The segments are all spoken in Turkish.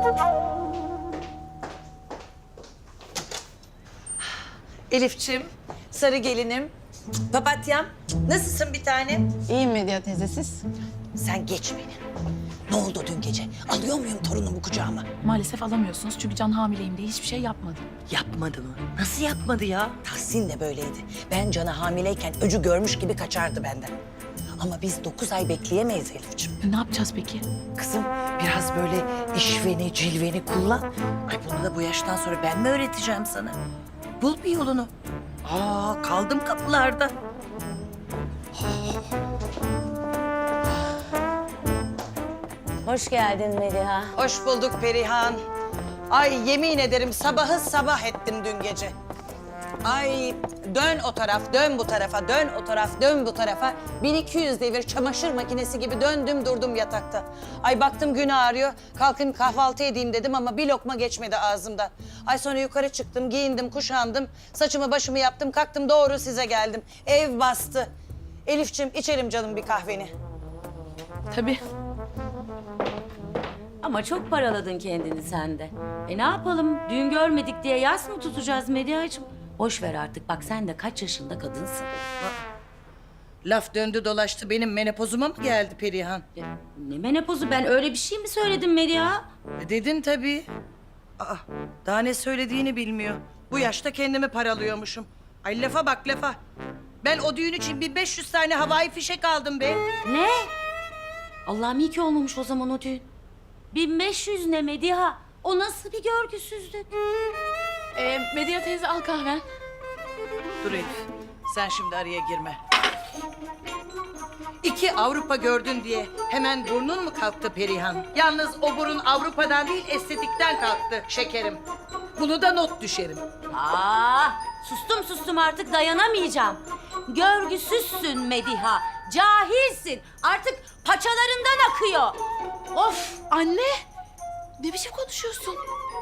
Elifçim, sarı gelinim, papatyam. Nasılsın bir tanem? İyiyim Medya teyze, siz? Sen geç beni. Ne oldu dün gece? Alıyor muyum torunumu kucağıma? Maalesef alamıyorsunuz çünkü Can hamileyim diye hiçbir şey yapmadı. Yapmadı mı? Nasıl yapmadı ya? Tahsin de böyleydi. Ben Can'ı hamileyken öcü görmüş gibi kaçardı benden. Ama biz 9 ay bekleyemeyiz Elifçim. Ne yapacağız peki? Kızım biraz böyle işveni, cilveni kullan. Ay bunu da bu yaştan sonra ben mi öğreteceğim sana? Bul bir yolunu. Kaldım kapılarda. Hoş geldin Mediha. Hoş bulduk Perihan. Ay yemin ederim sabahı sabah ettim dün gece. Ay dön o taraf, dön bu tarafa, dön o taraf, dön bu tarafa. 1200 devir çamaşır makinesi gibi döndüm durdum yatakta. Ay baktım gün ağrıyor, kalkayım kahvaltı edeyim dedim ama bir lokma geçmedi ağzımdan. Ay sonra yukarı çıktım, giyindim, kuşandım, saçımı başımı yaptım, kalktım doğru size geldim. Ev bastı. Elifçim içelim canım bir kahveni. Tabii. Ama çok paraladın kendini sen de. Ne yapalım? Düğün görmedik diye yas mı tutacağız Media'cığım? Boş ver artık. Bak sen de kaç yaşında kadınsın. Laf döndü dolaştı benim menopozuma mı geldi Perihan? Ne menopozu? Ben öyle bir şey mi söyledim Media? Dedin tabii. Daha ne söylediğini bilmiyor. Bu yaşta kendimi paralıyormuşum. Ay lafa bak lafa. Ben o düğün için 1500 tane havai fişek aldım be. Ne? Allah'ım iyi ki olmamış o zaman o düğün. 1500 ne Mediha? O nasıl bir görgüsüzlük? Medya teyze al kahven. Dur Elif, sen şimdi araya girme. 2 Avrupa gördün diye hemen burnun mu kalktı Perihan? Yalnız o burun Avrupa'dan değil estetikten kalktı şekerim. Bunu da not düşerim. Sustum artık dayanamayacağım. Görgüsüzsün Mediha. Cahilsin. Artık paçalarından akıyor. Of! Anne! Ne biçim konuşuyorsun?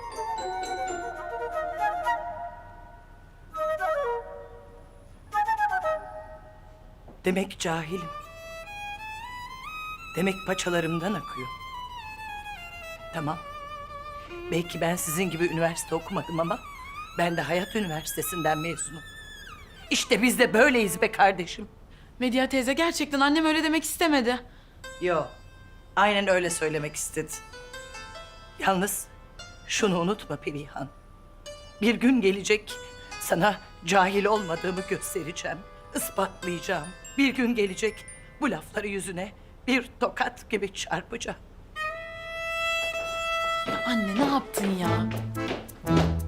Demek cahilim. Demek paçalarımdan akıyor. Tamam. Belki ben sizin gibi üniversite okumadım ama ben de Hayat Üniversitesi'nden mezunum. İşte biz de böyleyiz be kardeşim. Medya teyze gerçekten annem öyle demek istemedi. Yo, aynen öyle söylemek istedi. Yalnız şunu unutma Perihan. Bir gün gelecek sana cahil olmadığımı göstereceğim, ispatlayacağım. Bir gün gelecek bu lafları yüzüne bir tokat gibi çarpacağım. Ya anne ne yaptın ya?